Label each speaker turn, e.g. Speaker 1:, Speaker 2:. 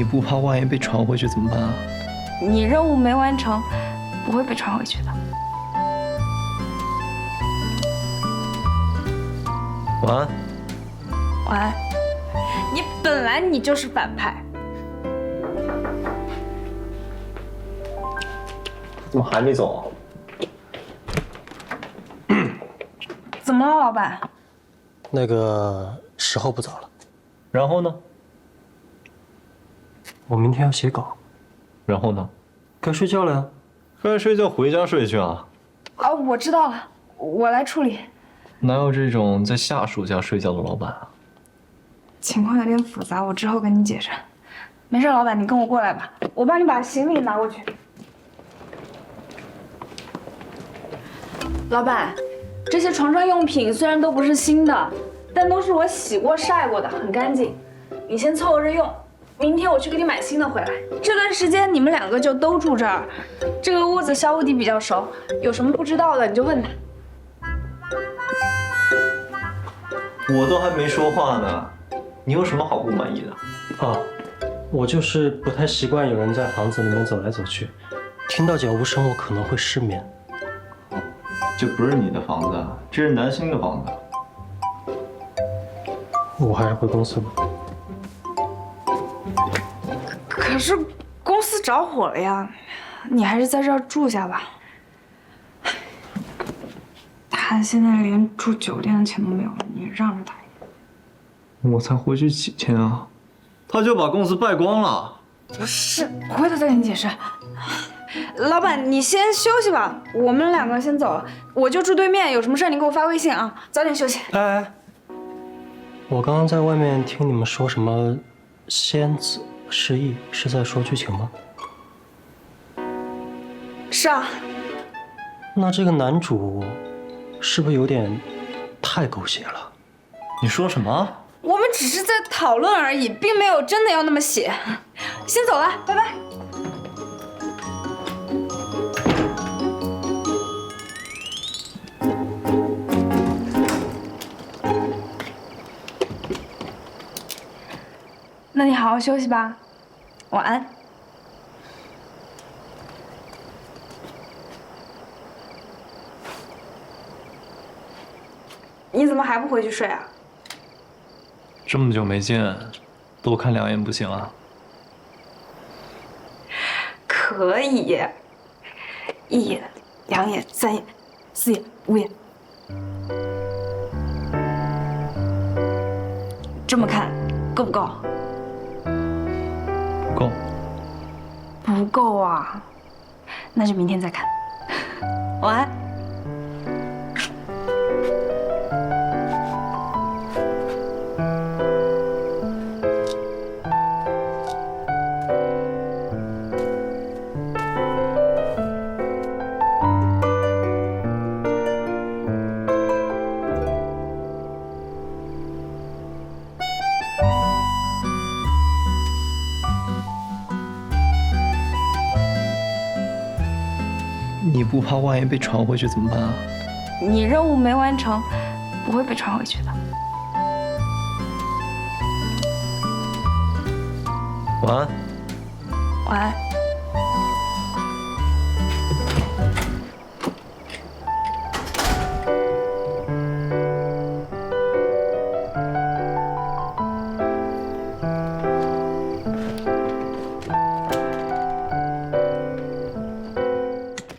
Speaker 1: 你不怕万一被传回去怎么办啊？
Speaker 2: 你任务没完成，不会被传回去的。
Speaker 1: 晚安。
Speaker 2: 晚安。你本来你就是反派。
Speaker 1: 怎么还没走啊？
Speaker 2: 怎么了，老板？
Speaker 3: 那个时候不早了，
Speaker 1: 然后呢？
Speaker 3: 我明天要写稿，
Speaker 1: 然后呢？
Speaker 3: 该睡觉了呀。
Speaker 1: 该睡觉回家睡去啊。
Speaker 2: 啊，我知道了，我来处理。
Speaker 1: 哪有这种在下属家睡觉的老板啊？
Speaker 2: 情况有点复杂，我之后跟你解释。没事，老板，你跟我过来吧，我帮你把行李拿过去。老板，这些床上用品虽然都不是新的，但都是我洗过晒过的，很干净。你先凑合着用，明天我去给你买新的回来。这段时间你们两个就都住这儿，这个屋子肖无敌比较熟，有什么不知道的你就问他。
Speaker 1: 我都还没说话呢，你有什么好不满意的？
Speaker 3: 啊，我就是不太习惯有人在房子里面走来走去，听到脚步声我可能会失眠。
Speaker 1: 这不是你的房子，这是南星的房子。
Speaker 3: 我还是回公司吧。
Speaker 2: 可是公司着火了呀，你还是在这儿住下吧。他现在连住酒店的钱都没有了，你让着他一点。
Speaker 1: 我才回去几天啊，他就把公司败光了。
Speaker 2: 不是，回头再跟你解释。老板，你先休息吧，我们两个先走了，我就住对面，有什么事你给我发微信啊，早点休息。
Speaker 3: 哎，我刚刚在外面听你们说什么仙子失忆，是在说剧情吗？
Speaker 2: 是啊。
Speaker 3: 那这个男主是不是有点太狗血了？
Speaker 1: 你说什么？
Speaker 2: 我们只是在讨论而已，并没有真的要那么写。先走了，拜拜。那你好好休息吧，晚安。你怎么还不回去睡啊？
Speaker 1: 这么久没见，多看2眼不行啊？
Speaker 2: 可以，1眼、2眼、3眼、4眼、5眼，这么看够不够？
Speaker 1: 不够。
Speaker 2: 不够啊，那就明天再看。晚安。
Speaker 1: 你不怕万一被传回去怎么办啊？
Speaker 2: 你任务没完成，不会被传回去的。
Speaker 1: 晚安。
Speaker 2: 晚安。